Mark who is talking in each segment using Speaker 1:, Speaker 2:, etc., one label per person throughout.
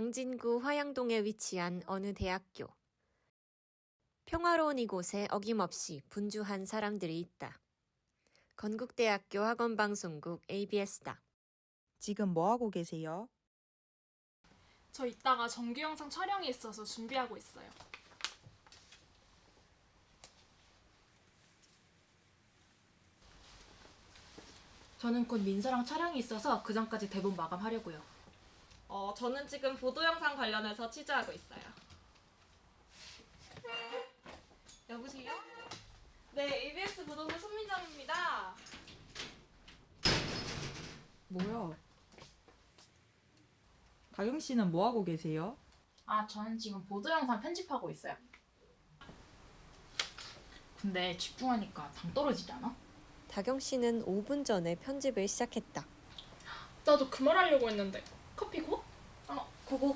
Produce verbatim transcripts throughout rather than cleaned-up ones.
Speaker 1: 광진구 화양동에 위치한 어느 대학교. 평화로운 이곳에 어김없이 분주한 사람들이 있다. 건국대학교 학원방송국 에이비에스다.
Speaker 2: 지금 뭐하고 계세요?
Speaker 3: 저 이따가 정규 영상 촬영이 있어서 준비하고 있어요.
Speaker 4: 저는 곧 민서랑 촬영이 있어서 그 전까지 대본 마감하려고요.
Speaker 5: 어, 저는 지금 보도 영상 관련해서 취재하고 있어요. 여보세요? 네, 에이비에스 보도부 손민정입니다.
Speaker 2: 뭐야? 다경 씨는 뭐하고 계세요?
Speaker 4: 아, 저는 지금 보도 영상 편집하고 있어요. 근데 집중하니까 당 떨어지지 않아?
Speaker 1: 다경 씨는 오 분 전에 편집을 시작했다.
Speaker 3: 나도 그 말 하려고 했는데. 커피 고?
Speaker 4: 어, 그거.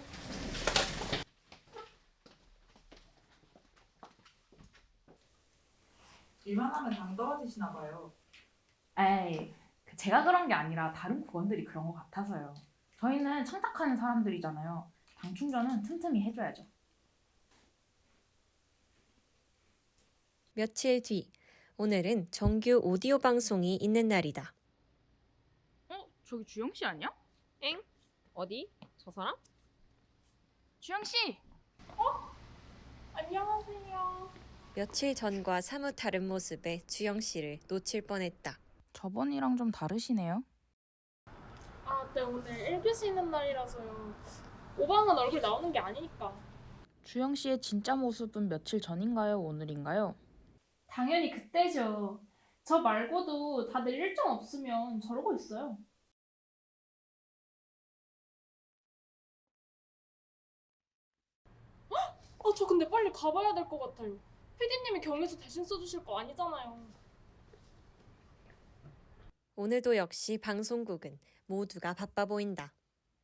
Speaker 2: 일만 하면 당 떨어지시나 봐요.
Speaker 4: 에이, 제가 그런 게 아니라 다른 국원들이 그런 것 같아서요. 저희는 창작하는 사람들이잖아요. 당 충전은 틈틈이 해줘야죠.
Speaker 1: 며칠 뒤, 오늘은 정규 오디오 방송이 있는 날이다.
Speaker 6: 어? 저기 주영씨 아니야?
Speaker 5: 엥? 어디? 저 사람?
Speaker 6: 주영씨!
Speaker 3: 안녕하세요.
Speaker 1: 며칠 전과 사뭇 다른 모습의 주영 씨를 놓칠 뻔했다.
Speaker 6: 저번이랑 좀 다르시네요.
Speaker 3: 아, 네, 오늘 일 교시 있는 날이라서요. 오방은 얼굴 나오는 게 아니니까.
Speaker 6: 주영씨의 진짜 모습은 며칠 전인가요? 오늘인가요?
Speaker 3: 당연히 그때죠. 저 말고도 다들 일정 없으면 저러고 있어요. 아, 저 근데 빨리 가봐야 될 것 같아요. 피디님이 경위서 대신 써주실 거 아니잖아요.
Speaker 1: 오늘도 역시 방송국은 모두가 바빠 보인다.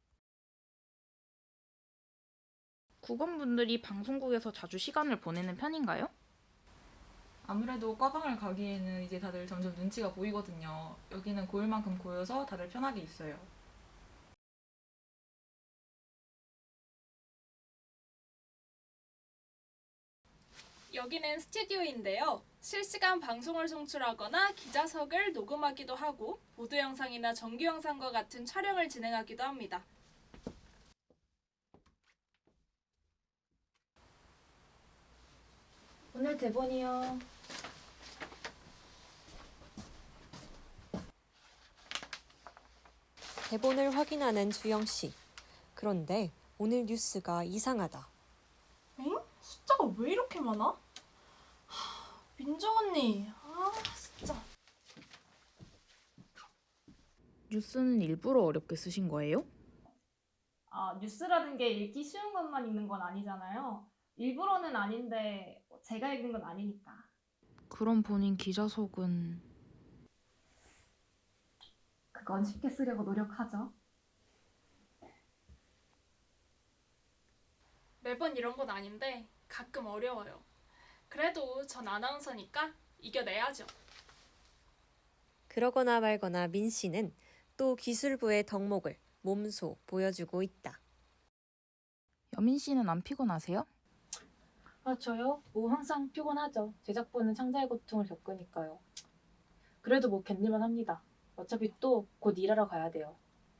Speaker 6: 국원분들이 방송국에서 자주 시간을 보내는 편인가요?
Speaker 2: 아무래도 과방을 가기에는 이제 다들 점점 눈치가 보이거든요. 여기는 고일 만큼 고여서 다들 편하게 있어요.
Speaker 3: 여기는 스튜디오인데요. 실시간 방송을 송출하거나 기자석을 녹음하기도 하고 보도 영상이나 정규 영상과 같은 촬영을 진행하기도 합니다.
Speaker 4: 오늘 대본이요.
Speaker 1: 대본을 확인하는 주영 씨. 그런데 오늘 뉴스가 이상하다.
Speaker 3: 엥? 숫자가 왜 이렇게 많아? 하, 민정 언니, 아 진짜.
Speaker 6: 뉴스는 일부러 어렵게 쓰신 거예요?
Speaker 7: 아, 뉴스라는 게 읽기 쉬운 것만 읽는 건 아니잖아요. 일부러는 아닌데 제가 읽은 건 아니니까.
Speaker 6: 그럼 본인 기자석은...
Speaker 7: 그건 쉽게 쓰려고 노력하죠.
Speaker 3: 매번 이런 건 아닌데 가끔 어려워요. 그래도 전 아나운서니까 이겨내야죠.
Speaker 1: 그러거나 말거나 민 씨는 또 기술부의 덕목을 몸소 보여주고 있다.
Speaker 6: 여민 씨는 안 피곤하세요?
Speaker 8: 아, 저요? 뭐 항상 피곤하죠. 제작부는 창작의 고통을 겪으니까요. 그래도 뭐 견딜만 합니다. 어차피 또 곧 일하러 가야 돼요.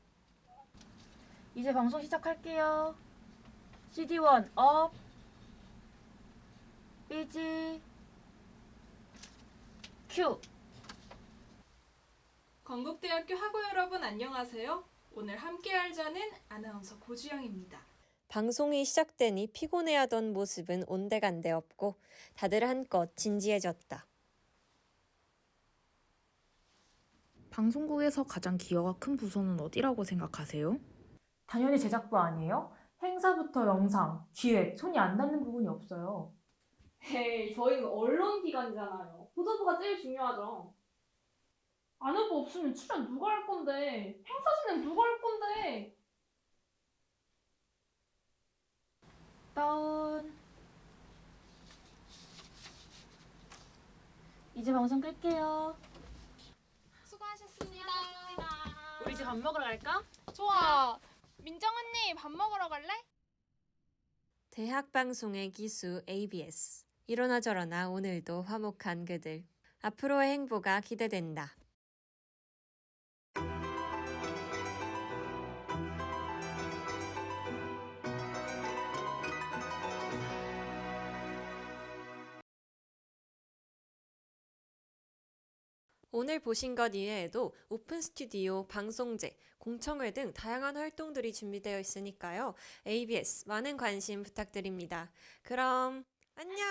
Speaker 8: 이제 방송 시작할게요. 씨디원 업. 삐지. 큐.
Speaker 3: 건국대학교 학우 여러분 안녕하세요. 오늘 함께 알자는 아나운서 고주영입니다.
Speaker 1: 방송이 시작되니 피곤해하던 모습은 온데간데 없고 다들 한껏 진지해졌다.
Speaker 6: 방송국에서 가장 기여가 큰 부서는 어디라고 생각하세요?
Speaker 8: 당연히 제작부 아니에요? 행사부터 영상, 기획, 손이 안 닿는 부분이 없어요.
Speaker 7: 에이, 저희는 언론기관이잖아요. 보도부가 제일 중요하죠.
Speaker 3: 아나부 없으면 출연 누가 할 건데? 행사 진행 누가 할 건데?
Speaker 8: 다운. 이제 방송 끌게요.
Speaker 3: 수고하셨습니다.
Speaker 8: 우리 이제 밥 먹으러 갈까?
Speaker 3: 좋아. 민정 언니 밥 먹으러 갈래?
Speaker 1: 대학 방송의 기수 에이비에스. 이러나 저러나 오늘도 화목한 그들. 앞으로의 행보가 기대된다. 오늘 보신 것 이외에도 오픈 스튜디오, 방송제, 공청회 등 다양한 활동들이 준비되어 있으니까요. 에이비에스 많은 관심 부탁드립니다. 그럼 안녕!